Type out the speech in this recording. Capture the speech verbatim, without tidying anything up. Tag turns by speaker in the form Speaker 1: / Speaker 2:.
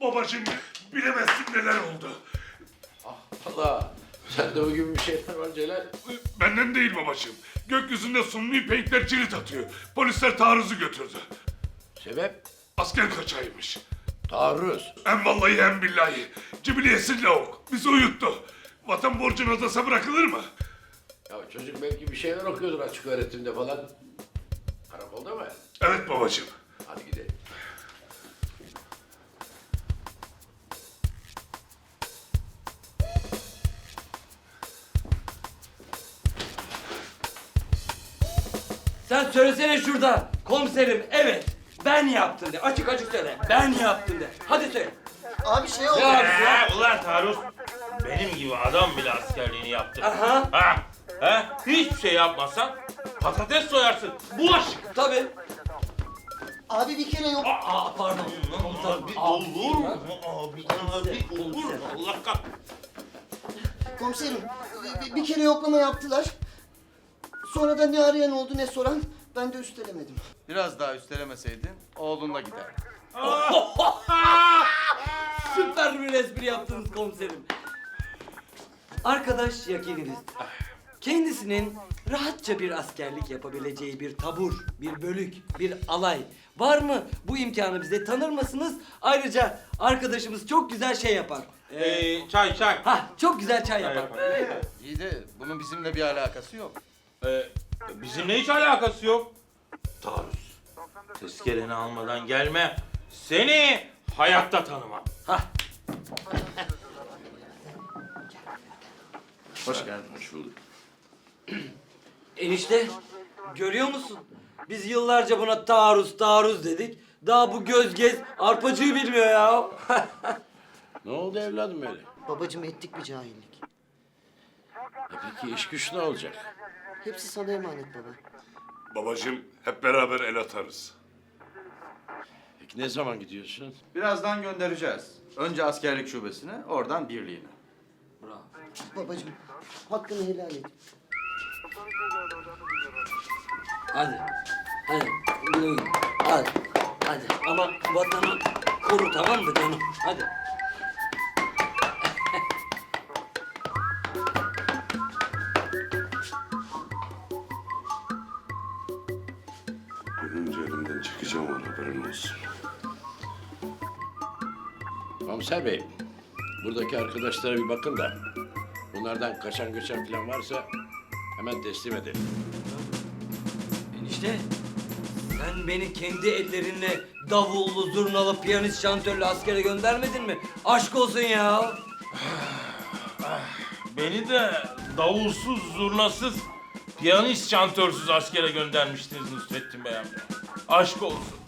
Speaker 1: Babacığım bilemezsin neler oldu.
Speaker 2: Allah, sende o gibi bir şeyler var Celal.
Speaker 1: Benden değil babacığım. Gökyüzünde sunni penkler cirit atıyor. Polisler taarruzu götürdü.
Speaker 2: Sebep?
Speaker 1: Asker kaçağıymış.
Speaker 2: Taarruz.
Speaker 1: Hem vallahi hem billahi. Cibiliyesi lavuk. Bizi uyuttu. Vatan borcunu odasa bırakılır mı?
Speaker 2: Ya çocuk belki bir şeyler okuyordur açık öğretimde falan. Karakolda mı?
Speaker 1: Evet babacığım.
Speaker 2: Hadi gidelim.
Speaker 3: Sen söylesene şurada. Komiserim evet ben yaptım de. Açık açık söyle. Ben yaptım de. Hadi söyle.
Speaker 4: Abi şey oldu.
Speaker 3: Ne yaptın ya?
Speaker 5: Ee, ulan taarruz benim gibi adam bile askerliğini yaptı.
Speaker 3: Aha.
Speaker 5: Ha? Ha? Hiçbir şey yapmazsan patates soyarsın. Bulaşık.
Speaker 3: Tabii.
Speaker 4: Abi bir kere yok.
Speaker 3: Aa pardon.
Speaker 5: Abi olur mu? Abi, abi olur mu? Allah kah.
Speaker 4: Komiserim bir, bir kere yoklama yaptılar. Sonra da ne arayan oldu ne soran. Ben de üstelemedim.
Speaker 6: Biraz daha üstelemeseydin oğlunla gider.
Speaker 3: Süper bir espri yaptınız komiserim. Arkadaş yakininiz. Kendisinin rahatça bir askerlik yapabileceği bir tabur, bir bölük, bir alay var mı? Bu imkanı bize tanır mısınız? Ayrıca arkadaşımız çok güzel şey yapar. Ee,
Speaker 5: Ee, çay çay.
Speaker 3: ha çok güzel çay yapar.
Speaker 6: İyi de bunun bizimle bir alakası yok.
Speaker 5: Ee, bizimle hiç alakası yok. Taarruz. Tezkereni almadan gelme. Seni hayatta tanımam.
Speaker 3: Hah.
Speaker 6: Hoş geldin.
Speaker 2: Hoş bulduk.
Speaker 3: Enişte görüyor musun? Biz yıllarca buna taarruz taarruz dedik. Daha bu göz gez arpacığı bilmiyor ya.
Speaker 2: Ne oldu evladım öyle?
Speaker 4: Babacığım ettik bir cahillik.
Speaker 2: E peki iş güç ne olacak?
Speaker 4: Hepsi sana emanet baba.
Speaker 1: Babacığım hep beraber el atarız.
Speaker 2: Peki ne zaman gidiyorsun?
Speaker 6: Birazdan göndereceğiz. Önce askerlik şubesine, oradan birliğine.
Speaker 3: Bravo.
Speaker 4: Babacığım hakkını helal et.
Speaker 3: Hadi. Hadi. Yürü. Hadi. Hadi. Ama vatanı koru tamam mı canım? Hadi.
Speaker 1: Ölünce elimden çekeceğim onu haberin olsun.
Speaker 2: Komiser Bey, buradaki arkadaşlara bir bakın da bunlardan kaçan göçen falan varsa hemen teslim edelim.
Speaker 3: Enişte sen beni kendi ellerinle davullu, zurnalı, piyanist, şantörlü askere göndermedin mi? Aşk olsun ya.
Speaker 5: Beni de davulsuz, zurnasız, piyanist, şantörsüz askere göndermiştiniz Nusrettin Bey amca. Aşk olsun.